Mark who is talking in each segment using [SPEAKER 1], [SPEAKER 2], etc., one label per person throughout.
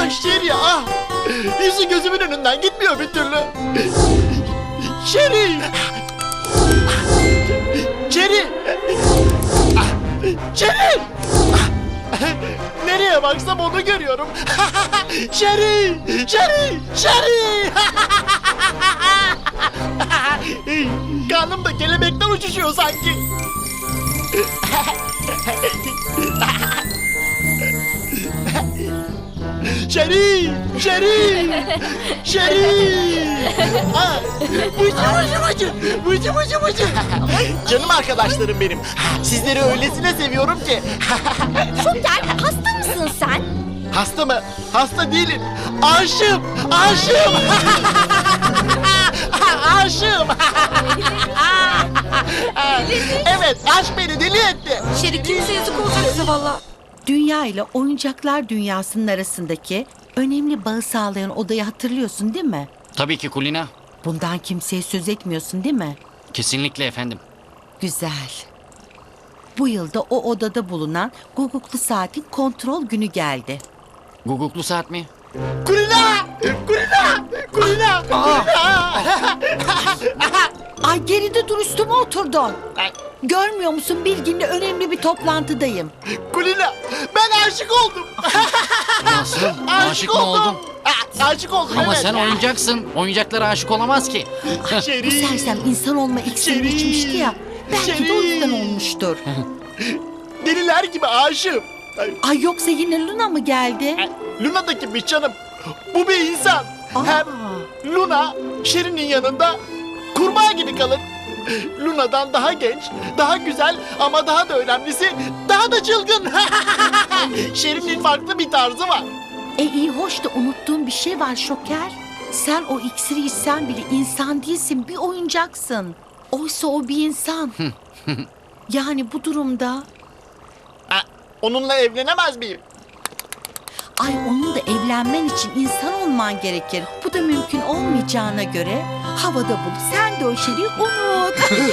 [SPEAKER 1] Şeri ah! Yüzü gözümün önünden gitmiyor bir türlü. Şeri! Şeri! Şeri! Nereye baksam onu görüyorum. Şeri! Şeri! Şeri! Karnım da kelebekten uçuşuyor sanki. Şeri! Şeri! Şeri! Ah, Bıcı! Canım arkadaşlarım benim. Sizleri öylesine seviyorum ki.
[SPEAKER 2] Şoker, hasta mısın sen?
[SPEAKER 1] Hasta mı? Hasta değilim. Aşığım! Aşığım! Aşığım! Evet, aşk beni deli etti.
[SPEAKER 2] Şeri kimse yazık olacaksa valla.
[SPEAKER 3] Dünya ile oyuncaklar dünyasının arasındaki önemli bağı sağlayan odayı hatırlıyorsun değil mi?
[SPEAKER 4] Tabii ki Kulina.
[SPEAKER 3] Bundan kimseye söz etmiyorsun değil mi?
[SPEAKER 4] Kesinlikle efendim.
[SPEAKER 3] Güzel. Bu yılda o odada bulunan guguklu saatin kontrol günü geldi.
[SPEAKER 4] Guguklu saat mi?
[SPEAKER 1] Kulina! Kulina! Kulina! Kulina!
[SPEAKER 3] Ay geride dur, üstüme oturdun. Görmüyor musun, Bilgin'le önemli bir toplantıdayım.
[SPEAKER 1] Kulina! Ben aşık oldum.
[SPEAKER 4] Nasıl? Aşık mı oldun?
[SPEAKER 1] Aşık oldum,
[SPEAKER 4] Ama
[SPEAKER 1] evet.
[SPEAKER 4] sen oyuncaksın. Oyuncaklara aşık olamaz ki.
[SPEAKER 1] Şeri!
[SPEAKER 3] Bu sersem insan olma iksirini
[SPEAKER 1] Şeri!
[SPEAKER 3] içmişti ya. Belki de o
[SPEAKER 1] Şeri!
[SPEAKER 3] yüzden olmuştur.
[SPEAKER 1] Deliler gibi aşığım.
[SPEAKER 3] Ay yoksa yine Luna mı geldi?
[SPEAKER 1] Luna da kimmiş canım? Bu bir insan.
[SPEAKER 3] Aa.
[SPEAKER 1] Hem Luna Şirin'in yanında kurbağa gibi kalır. Luna'dan daha genç, daha güzel ama daha da önemlisi daha da çılgın. Şirin'in farklı bir tarzı var.
[SPEAKER 3] İyi hoş da unuttuğum bir şey var Şoker. Sen o iksiri içsen bile insan değilsin, bir oyuncaksın. Oysa o bir insan. Yani bu durumda...
[SPEAKER 1] Onunla evlenemez miyim?
[SPEAKER 3] Ay onunla evlenmen için insan olman gerekir. Bu da mümkün olmayacağına göre havada bul. Sen de o şeyi unut.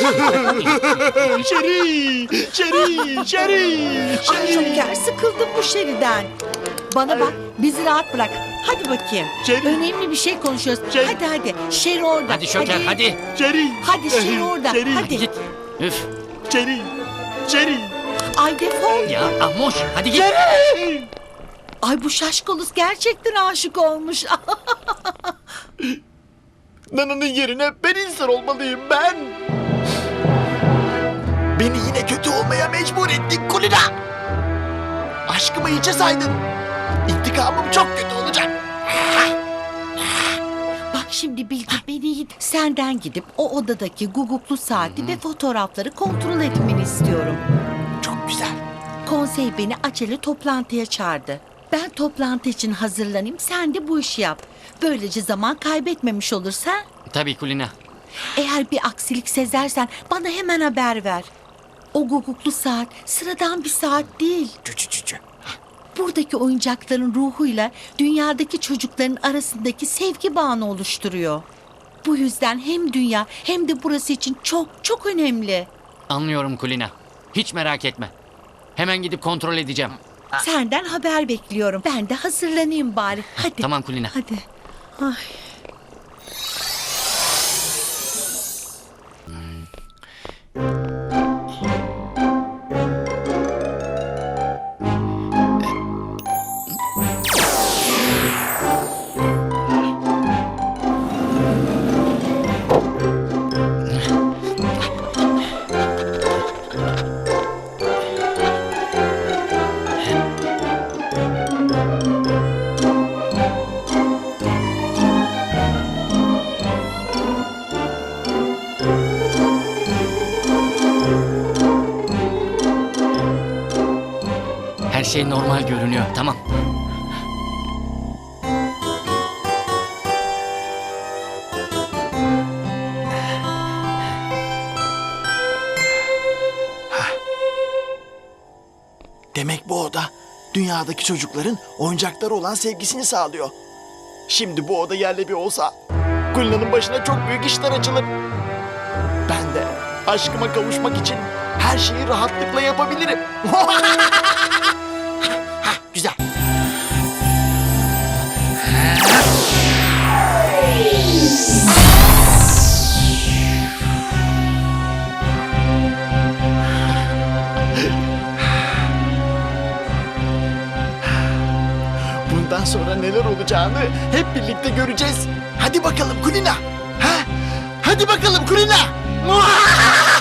[SPEAKER 1] Şeri, Şeri, Şeri,
[SPEAKER 3] Ay Şoker, sıkıldım bu şeriden. Bana bak, bizi rahat bırak. Hadi bakayım.
[SPEAKER 1] Şeri.
[SPEAKER 3] Önemli bir şey konuşuyoruz.
[SPEAKER 1] Şeri.
[SPEAKER 3] Hadi. Şeri orada.
[SPEAKER 4] Hadi Şoker hadi.
[SPEAKER 1] Şeri.
[SPEAKER 3] Hadi Şeri orada.
[SPEAKER 1] Şeri.
[SPEAKER 3] Hadi.
[SPEAKER 4] Git. Üf.
[SPEAKER 1] Şeri, Şeri,
[SPEAKER 3] Ay defol.
[SPEAKER 4] Ya Ahmoş hadi git.
[SPEAKER 1] Şeri.
[SPEAKER 3] Ay bu şaşkoluz gerçekten aşık olmuş.
[SPEAKER 1] Nana'nın yerine ben insan olmalıyım ben. Beni yine kötü olmaya mecbur ettin Kulina. Aşkımı hiçe saydın. İntikamım çok kötü olacak.
[SPEAKER 3] Bak şimdi Bilgi, beni senden gidip o odadaki guguklu saati ve fotoğrafları kontrol etmeni istiyorum.
[SPEAKER 1] Çok güzel.
[SPEAKER 3] Konsey beni acele toplantıya çağırdı. Ben toplantı için hazırlanayım, sen de bu işi yap. Böylece zaman kaybetmemiş olursa.
[SPEAKER 4] Tabii Kulina.
[SPEAKER 3] Eğer bir aksilik sezersen bana hemen haber ver. O guguklu saat sıradan bir saat değil. Buradaki oyuncakların ruhuyla dünyadaki çocukların arasındaki sevgi bağını oluşturuyor. Bu yüzden hem dünya hem de burası için çok çok önemli.
[SPEAKER 4] Anlıyorum Kulina. Hiç merak etme. Hemen gidip kontrol edeceğim.
[SPEAKER 3] Senden haber bekliyorum. Ben de hazırlanayım bari. Hadi.
[SPEAKER 4] Tamam Kulina.
[SPEAKER 3] Hadi. Ay.
[SPEAKER 4] Her şey normal görünüyor. Tamam.
[SPEAKER 1] Demek bu oda dünyadaki çocukların oyuncaklara olan sevgisini sağlıyor. Şimdi bu oda yerle bir olsa Kulina'nın başına çok büyük işler açılır. Ben de aşkıma kavuşmak için her şeyi rahatlıkla yapabilirim. Güzel. sonra neler olacağını hep birlikte göreceğiz. Hadi bakalım Kulina. Ha? Hadi bakalım Kulina. Muah!